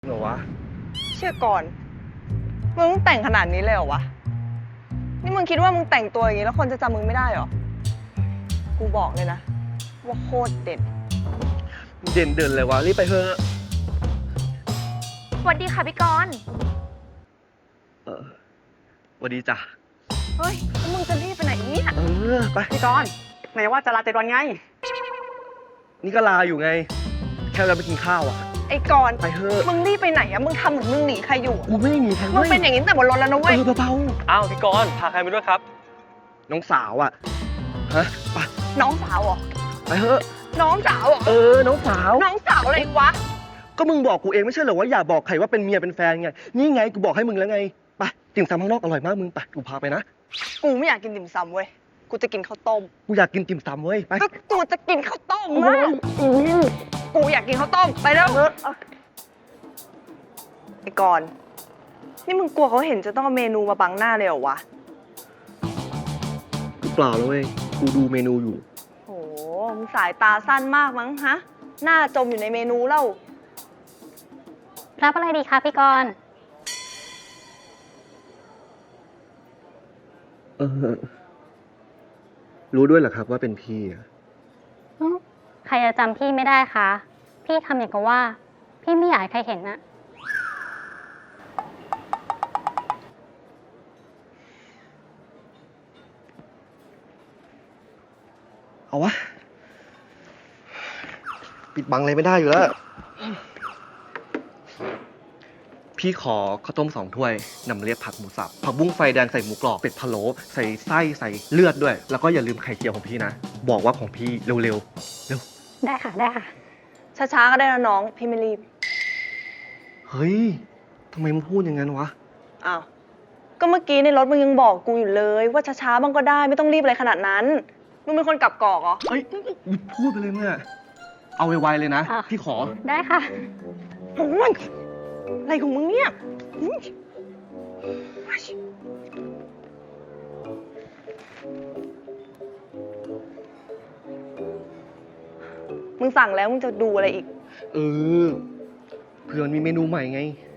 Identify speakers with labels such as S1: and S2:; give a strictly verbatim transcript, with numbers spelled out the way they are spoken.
S1: เหรอวะ
S2: เชื่อก่อน มึงแต่งขนาดนี้เลยเหรอวะ นี่มึงคิดว่ามึงแต่งตัวอย่างนี้แล้วคนจะจำมึงไม่ได้เหรอ กูบอกเลยนะ ว่าโคตรเด็ด
S1: เด่นเดินเลยวะรีบไปเถอะ
S3: สวัสดีค่ะพี่กรณ์
S1: เออสวัสดีจ้ะ
S2: เฮ้ยแล้วมึงจะรีบไปไหนเนี่ย
S1: เออไป
S4: พี่กรณ์ไหนว่าจะลาเจ็ดวันไง
S1: นี่ก็ลาอยู่ไง แค่เราไปกินข้าวอ่ะ
S2: ไอ้กรณ์
S1: ไปเถอะ
S2: มึงรีบไปไหนอะมึงทำเหมือนมึงหนีใครอยู่อะ
S1: กูไม่ได้หนีใคร
S2: มึง
S1: เว้ย
S2: เป็นอย่างนี้ตั้งแต่บนรถแล้วนะ
S1: เอ
S2: เว้ย
S1: อเบา
S5: อ้าวพี่กรณ์พาใครไปด้วยครับ
S1: ๆน้องสาวอ่ะฮะไป
S2: น้องสาวเหรอ
S1: ไปเถอะ
S2: น้องสาวเหรอ
S1: เออน้องสาว
S2: น้องสาวอะไรวะ
S1: ก็มึงบอกกูเองไม่ใช่เหรอว่าอย่าบอกใครว่าเป็นเมียเป็นแฟนไงนี่ไงกูบอกให้มึงแล้วไงไปติ่มซำข้างนอกอร่อยมากมึงไปกูพาไปนะ
S2: กูไม่อยากกินติ่มซำเว้ย กูจะกินข้าวต้ม
S1: กูอยากกินติ่มซำเว้ยไป
S2: ก็กูจะกินข้าวต้มมากกูอยากกินข้าวต้ม ไปแล้วไอ้กรณ์นี่มึงกลัวเขาเห็นจะต้องเอาเมนูมาบังหน้าเลยเหรอวะ
S1: กูเปล่าแล้วเว้ยกูดูเมนูอยู่
S2: โห มึงสายตาสั้นมากมั้งฮะ หน้าจมอยู่ในเมนูแล้ว
S3: รับอะไรดีคะพี่กรณ์
S1: เออรู้ด้วยเหรอครับว่าเป็นพี่อะ
S3: อืมใครจะจำพี่ไม่ได้คะ พี่ทำอย่างกับว่า พี่ไม่อยากให้ใครเห็นนะ
S1: เอาวะปิดบังอะไรไม่ได้อยู่แล้ว พี่ขอข้าวต้มสองถ้วยนำเลียบผักหมูสับผักบุ้งไฟแดงใส่หมูกรอบเป็ดพะโล้ใส่ไส้ใส่เลือดด้วย แล้วก็อย่าลืมไข่เจียวของพี่นะ บอกว่าของพี่เร็วๆเร็ว
S3: ได้ค่ะ ได้ค่ะ
S2: ช้าๆก็ได้นะน้อง พี่ไม่รีบ
S1: เฮ้ยทำไมมึงพูดอย่างนั้นวะ
S2: อ้าว ก็เมื่อกี้ในรถมึงยังบอกกูอยู่เลย ว่าช้าๆบ้างก็ได้ไม่ต้องรีบอะไรขนาดนั้น มึงเป็นคนกลับกอกเหรอ
S1: เฮ้ยพูดไปเลยเมื่อเอาไวๆเลยนะ
S3: อ่ะ
S1: พี่ขอ
S3: ได้ค่ะ
S2: โอ้ยอะไรของมึงเนี่ยอุ๊ยมึงสั่งแล้วมึงจะดูอะไรอีก
S1: เออเผื่อมันมีเมนูใหม่ไง